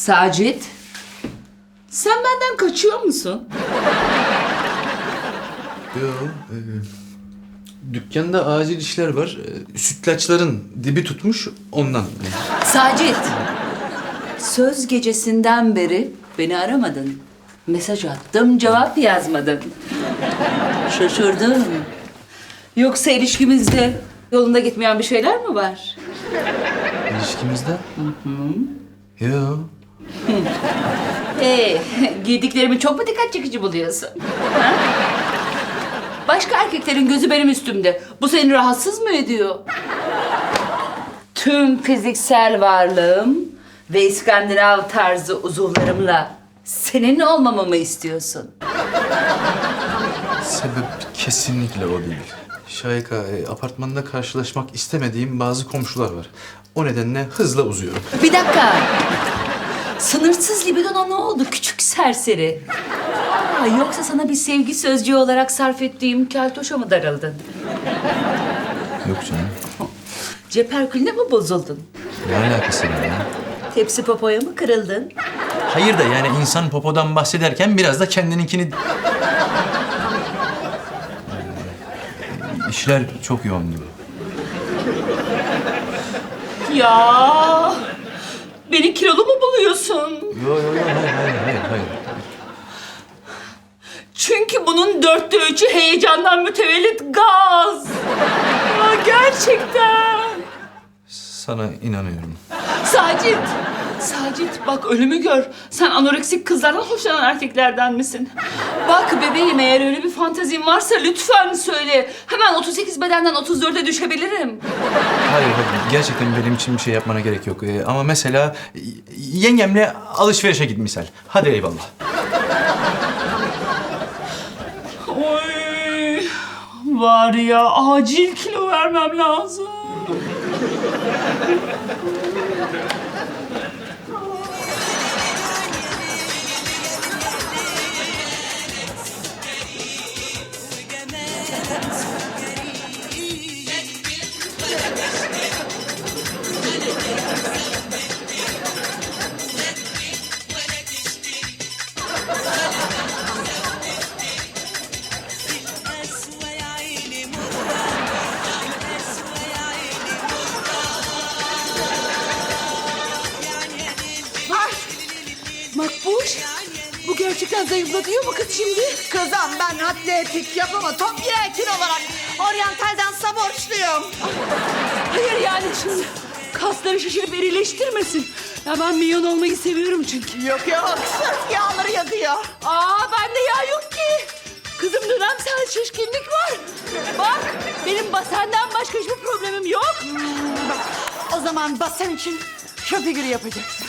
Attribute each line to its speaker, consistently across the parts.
Speaker 1: Sacit, sen benden kaçıyor musun?
Speaker 2: Yo, dükkanda acil işler var. Sütlaçların dibi tutmuş ondan.
Speaker 1: Sacit, söz gecesinden beri beni aramadın. Mesaj attım, cevap yazmadın. Şaşırdım. Yoksa ilişkimizde yolunda gitmeyen bir şeyler mi var?
Speaker 2: İlişkimizde? Yo.
Speaker 1: Giydiklerimi çok mu dikkat çekici buluyorsun? Ha? Başka erkeklerin gözü benim üstümde. Bu seni rahatsız mı ediyor? Tüm fiziksel varlığım ve İskandinav tarzı uzuvlarımla senin olmamı mı istiyorsun?
Speaker 2: Sebep kesinlikle o değil. Şahika, apartmanda karşılaşmak istemediğim bazı komşular var. O nedenle hızla uzuyorum.
Speaker 1: Bir dakika. Sınırsız libidona ne oldu küçük serseri? Yoksa sana bir sevgi sözcüğü olarak sarf ettiğim keltoşa mı darıldın?
Speaker 2: Yok canım.
Speaker 1: Ceperkülüne mi bozuldun?
Speaker 2: Ne alakası var ya?
Speaker 1: Tepsi popoya mı kırıldın?
Speaker 2: Hayır da yani insan popodan bahsederken biraz da kendininkini... İşler çok yoğundu.
Speaker 1: Ya beni kilolu mu buluyorsun?
Speaker 2: Yo, hayır.
Speaker 1: Çünkü bunun 3/4 heyecandan mütevellit gaz. Ya gerçekten.
Speaker 2: Sana inanıyorum.
Speaker 1: Sacit bak ölümü gör. Sen anoreksik kızlardan hoşlanan erkeklerden misin? Bak bebeğim eğer öyle bir fantezin varsa lütfen söyle. Hemen 38 bedenden 34'e düşebilirim.
Speaker 2: Hayır, gerçekten benim için bir şey yapmana gerek yok. Ama mesela yengemle alışverişe git misal. Hadi eyvallah.
Speaker 1: Oy, var ya acil kilo vermem lazım. Makbuş, bu gerçekten zayıflatıyor mu kız şimdi?
Speaker 3: Kızım ben atletik yapama top girer kilo olarak. Oryantalden borçluyum.
Speaker 1: Hayır yani şimdi kasları şişirip erileştirmesin. Ya ben milyon olmayı seviyorum çünkü.
Speaker 3: Yok sırf yağları yakıyor.
Speaker 1: Bende yağ yok ki. Kızım dönemsel şişkinlik var. Bak benim basenden başka hiçbir problemim yok.
Speaker 3: O zaman basen için şu figürü yapacaksın.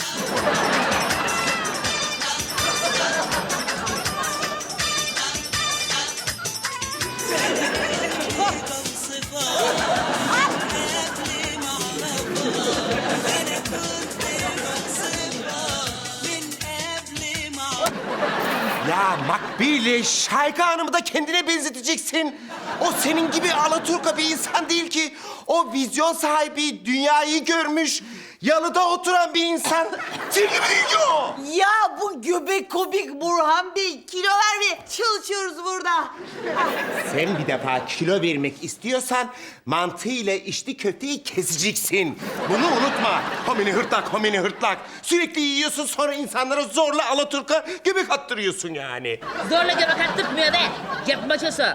Speaker 4: Ya Makbule, Şahika Hanım'ı da kendine benzeteceksin. O senin gibi alaturka bir insan değil ki. O vizyon sahibi, dünyayı görmüş, yalıda oturan bir insan. Senin gibi değil ki o.
Speaker 3: Ya bu göbek komik Burhan Bey. Kilo vermeye çalışıyoruz burada.
Speaker 4: Sen bir defa kilo vermek istiyorsan mantığıyla içli köfteyi keseceksin. Bunu unutma. Homini hırtlak, homini hırtlak. Sürekli yiyorsun sonra insanlara zorla alaturka göbek attırıyorsun yani.
Speaker 5: Zorla göbek attırtmıyor be. Cep maçosu.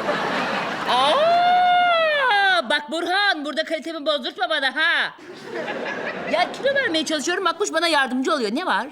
Speaker 5: Bak Burhan, burada kalitemi bozdurtma bana ha. Ya kilo vermeye çalışıyorum, Makbuş bana yardımcı oluyor. Ne var?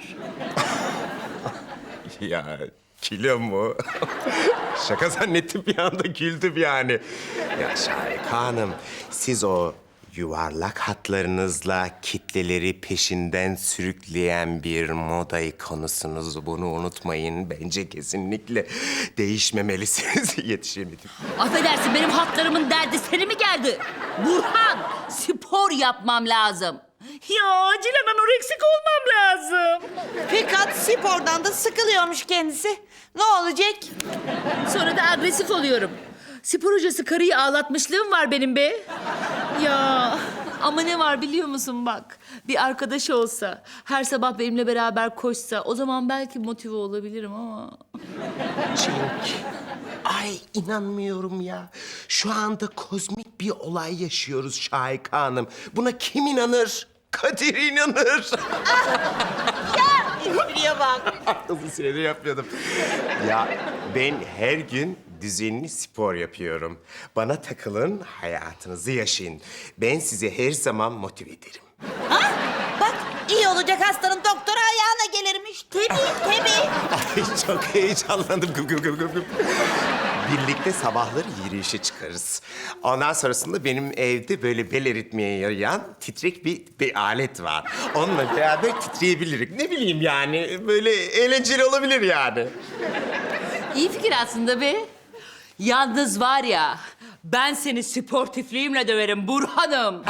Speaker 4: Ya kilo mu? Şaka zannettim bir anda güldüm yani. Ya Şahika Hanım, siz o yuvarlak hatlarınızla kitleleri peşinden sürükleyen bir moda ikonusunuz. Bunu unutmayın. Bence kesinlikle değişmemelisiniz. Yetişemedim.
Speaker 5: Affedersin, benim hatlarımın derdi seni mi geldi? Burhan, spor yapmam lazım. Ya acilen anoreksik olmam lazım.
Speaker 3: Fakat spordan da sıkılıyormuş kendisi. Ne olacak?
Speaker 5: Sonra da agresif oluyorum. Spor hocası karıyı ağlatmışlığım var benim be. Ya Ama ne var biliyor musun bak? Bir arkadaş olsa, her sabah benimle beraber koşsa o zaman belki motive olabilirim ama...
Speaker 4: Cenk. Ay inanmıyorum ya. Şu anda kozmik bir olay yaşıyoruz Şahika Hanım. Buna kim inanır? Kadir inanır.
Speaker 3: Espriye bak.
Speaker 4: Uzun süredir yapmıyordum. Ya ben her gün düzenli spor yapıyorum. Bana takılın, hayatınızı yaşayın. Ben size her zaman motive ederim.
Speaker 3: Bak iyi olacak hastanın doktora ayağına gelirmiş. Tabii.
Speaker 4: Ay çok heyecanlandım. Gıp gıp gıp gıp gıp. Birlikte sabahları yürüyüşe çıkarız. Ondan sonrasında benim evde böyle bel eritmeye yarayan titrek bir alet var. Onunla beraber titreyebilirim. Ne bileyim yani böyle eğlenceli olabilir yani.
Speaker 5: İyi fikir aslında be. Yalnız var ya, ben seni sportifliğimle döverim Burhan'ım.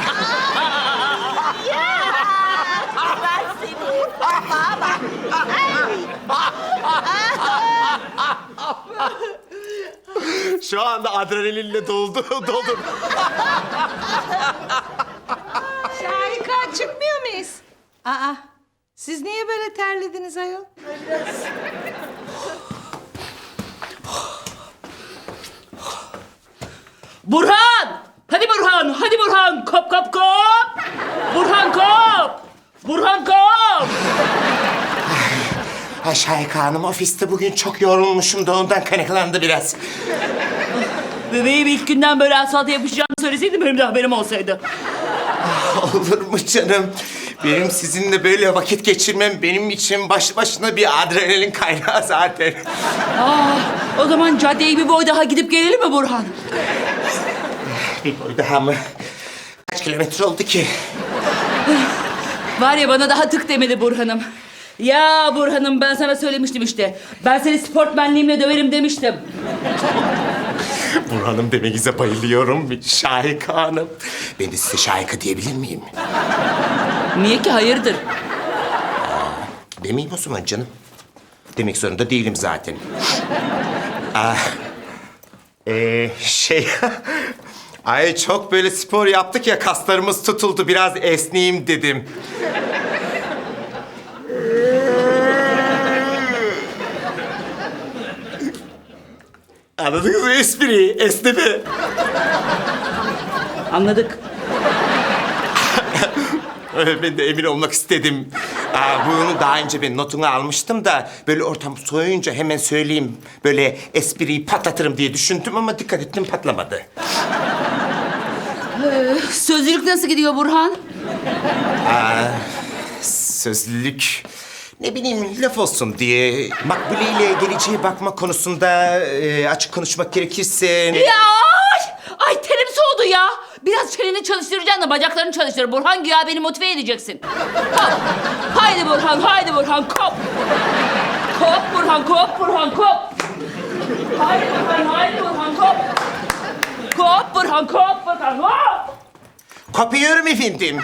Speaker 3: Ben seni. Bak.
Speaker 4: Şu anda adrenalinle doldu.
Speaker 6: Şahika çıkmıyor muyuz? Aa, siz niye böyle terlediniz ayol?
Speaker 5: Burhan! Hadi Burhan, hadi Burhan! Kop kop kop! Burhan kop! Burhan kop!
Speaker 4: Ha Şahika Hanım ofiste bugün çok yorulmuşum da ondan kaynaklandı biraz.
Speaker 5: Bebeğim ilk günden böyle asfalta yapışacağını söyleseydin benim de haberim olsaydı.
Speaker 4: Olur mu canım? Benim sizinle böyle vakit geçirmem benim için başlı başına bir adrenalin kaynağı zaten.
Speaker 5: O zaman caddeyi bir boy daha gidip gelelim mi Burhan?
Speaker 4: Bir boy daha mı? Kaç kilometre oldu ki?
Speaker 5: Var ya bana daha tık demedi Burhan'ım. Ya Burhan'ım ben sana söylemiştim işte. Ben seni sportmenliğimle döverim demiştim.
Speaker 4: Burhan'ım demenize bayılıyorum. Şahika Hanım. Ben de size Şahika diyebilir miyim?
Speaker 5: Niye ki hayırdır?
Speaker 4: Demeyeyim o zaman canım. Demek zorunda değilim zaten. Şey... Ay çok böyle spor yaptık ya kaslarımız tutuldu. Biraz esneyeyim dedim. Anladınız mı espriyi? Esneme.
Speaker 5: Anladık.
Speaker 4: Ben de emin olmak istedim. Bunu daha önce ben notunu almıştım da... ...böyle ortam soğuyunca hemen söyleyeyim... ...böyle espriyi patlatırım diye düşündüm ama dikkat ettim patlamadı.
Speaker 5: Sözlülük nasıl gidiyor Burhan?
Speaker 4: Sözlülük... Ne bileyim laf olsun diye... Makbule ile geleceğe bakma konusunda açık konuşmak gerekirse...
Speaker 5: Ya ay terim soğudu ya. Biraz çeneni çalıştıracaksın da bacaklarını çalıştır. Burhan güya beni motive edeceksin. Kop. Haydi Burhan, haydi Burhan kop. Kop Burhan, kop Burhan, kop. Haydi Burhan, haydi Burhan kop. Kop Burhan, kop Burhan, kop.
Speaker 4: Kopuyorum efendim.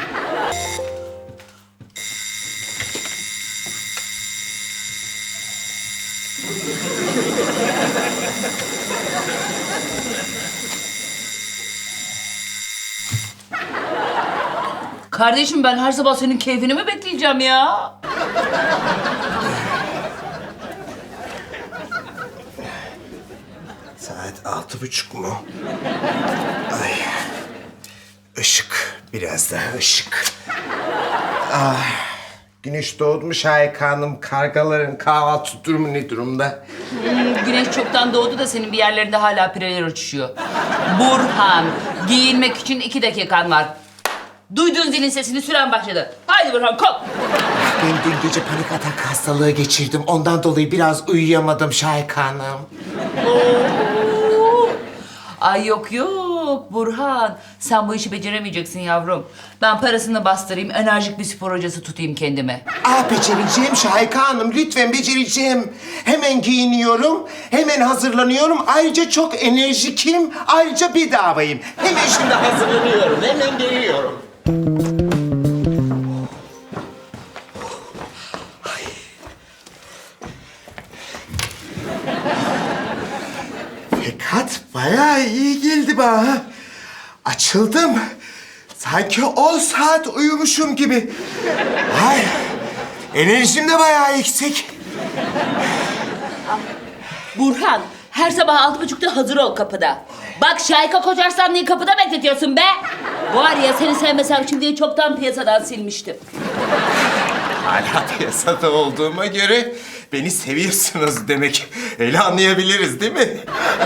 Speaker 5: Kardeşim ben her sabah senin keyfini mi bekleyeceğim ya?
Speaker 4: Saat 6:30 mu? Ay. Işık. Biraz daha ışık. Güneş doğdu mu Şahika Hanım? Kargaların kahvaltı durumu ne durumda?
Speaker 5: Güneş çoktan doğdu da senin bir yerlerinde hala pireler uçuşuyor. Burhan, giyinmek için 2 dakikan var. Duyduğun zilin sesini süren başladı. Haydi Burhan kop.
Speaker 4: Ben dün gece panik atak hastalığı geçirdim. Ondan dolayı biraz uyuyamadım Şahika Hanım.
Speaker 5: Ay yok yok Burhan. Sen bu işi beceremeyeceksin yavrum. Ben parasını bastırayım, enerjik bir spor hocası tutayım kendime.
Speaker 4: Becereceğim Şahika Hanım. Lütfen becereceğim. Hemen giyiniyorum, hemen hazırlanıyorum. Ayrıca çok enerjikim, ayrıca bedavayım. Hemen şimdi hazırlanıyorum, hemen geliyorum. Fakat bayağı iyi geldi bana. Açıldım. Sanki 10 saat uyumuşum gibi. Ay, enerjim de bayağı yüksek.
Speaker 5: Burhan, her sabah 6.30'da hazır ol kapıda. Bak Şahika Koçarslanlı'yı kapıda bekletiyorsun be. Var ya seni sevmesem şimdi çoktan piyasadan silmiştim.
Speaker 4: Hala piyasada olduğuma göre beni seviyorsunuz demek. Öyle anlayabiliriz değil mi?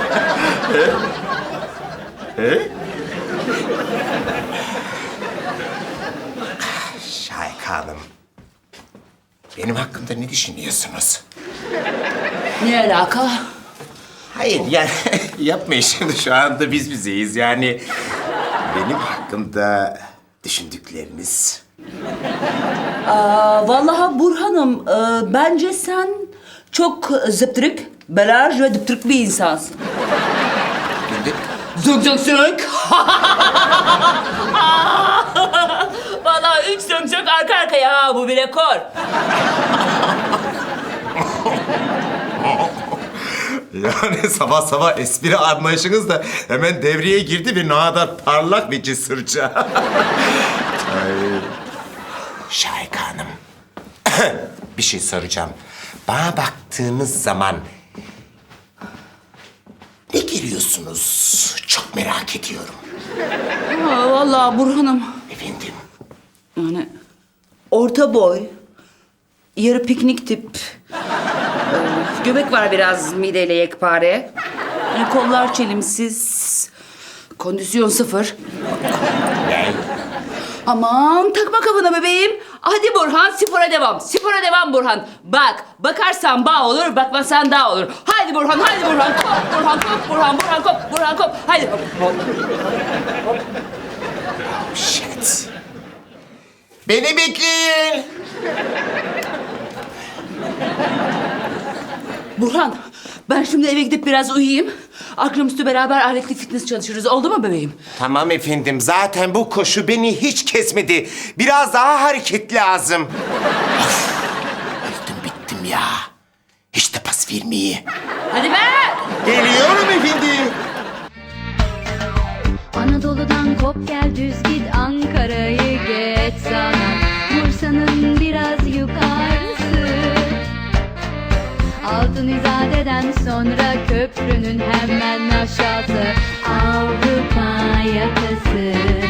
Speaker 4: Şahika Hanım, benim hakkımda ne düşünüyorsunuz?
Speaker 5: Ne alaka?
Speaker 4: Hayır yani yapmayın şimdi, şu anda biz bizeyiz yani. Benim hakkımda düşündükleriniz.
Speaker 5: Vallahi Burhan'ım, bence sen çok zıptırık, belaj ve dıptırık bir insansın.
Speaker 4: Şimdi
Speaker 5: Zök zök zök. Vallahi 3 zök zök arka arkaya ha, bu bir rekor.
Speaker 4: yani sabah sabah espri anlayışınız da hemen devreye girdi ve ne kadar parlak bir cesurca. Şahika Hanım, bir şey soracağım. Bana baktığınız zaman ne görüyorsunuz? Çok merak ediyorum.
Speaker 5: Vallahi Burhan'ım,
Speaker 4: Efendim?
Speaker 5: yani orta boy, yarı piknik tip, göbek var biraz mideyle yekpare. Yani kollar çelimsiz, kondisyon sıfır.
Speaker 4: Ne?
Speaker 5: Aman takma kafana bebeğim. Hadi Burhan, spora devam. Spora devam Burhan. Bak, bakarsan bağ olur, bakmasan dağ olur. Haydi Burhan, haydi Burhan. Kop, Burhan, kop, Burhan, Burhan, kop, Burhan, kop. Haydi.
Speaker 4: Shit. Beni bekleyin.
Speaker 5: Burhan, ben şimdi eve gidip biraz uyuyayım. Akşamüstü beraber aletli fitness çalışırız. Oldu mu bebeğim?
Speaker 4: Tamam efendim. Zaten bu koşu beni hiç kesmedi. Biraz daha hareket lazım. Of, öldüm bittim ya. Hiç de pas vermeyi.
Speaker 5: Hadi be!
Speaker 4: Geliyorum efendim.
Speaker 7: Anadolu'dan kop gel düz git Ankara'yı geç sana Bursa'nın biraz yukarısı Altın İzade'den sonra köprünün hemen aşağısı Avrupa yakası